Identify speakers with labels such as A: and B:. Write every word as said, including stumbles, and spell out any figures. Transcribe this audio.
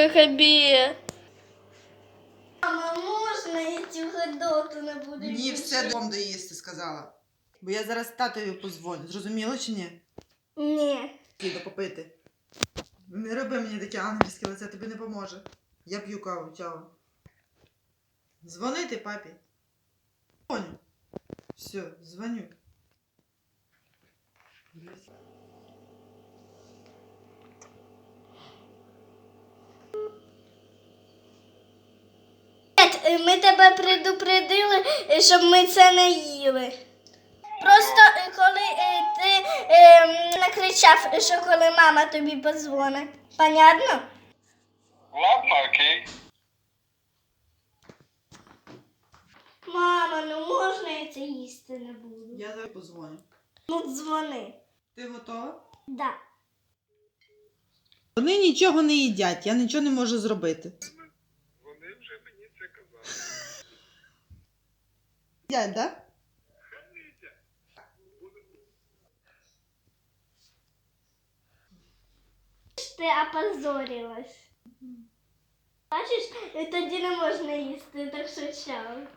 A: хабі.
B: Мама, можна я цю гидоту не буду
C: Ні,
B: більше?
C: все дом доїсти, сказала. Бо я зараз татові позвоню. Зрозуміло чи ні?
B: Ні.
C: Піду попити. Не роби мені таке ангельське лице, тобі не поможе. Я п'ю каву, чао. Дзвонити папі. Дзвоню. Все, дзвоню.
B: Ми тебе предупредили, щоб ми це не їли. Просто е, коли е, ти е, накричав, що коли мама тобі подзвонить. Понятно?
D: Ладно, окей.
B: Мама, ну можна я це їсти не буду?
C: Я зараз позвоню.
B: Ну дзвони.
C: Ти готова?
B: Да.
C: Вони нічого не їдять, я нічого не можу зробити.
D: Вони вже мені це казали.
C: Їдять, так?
B: Ти опозорилась. Бачиш, тоді не можна їсти, так що чао.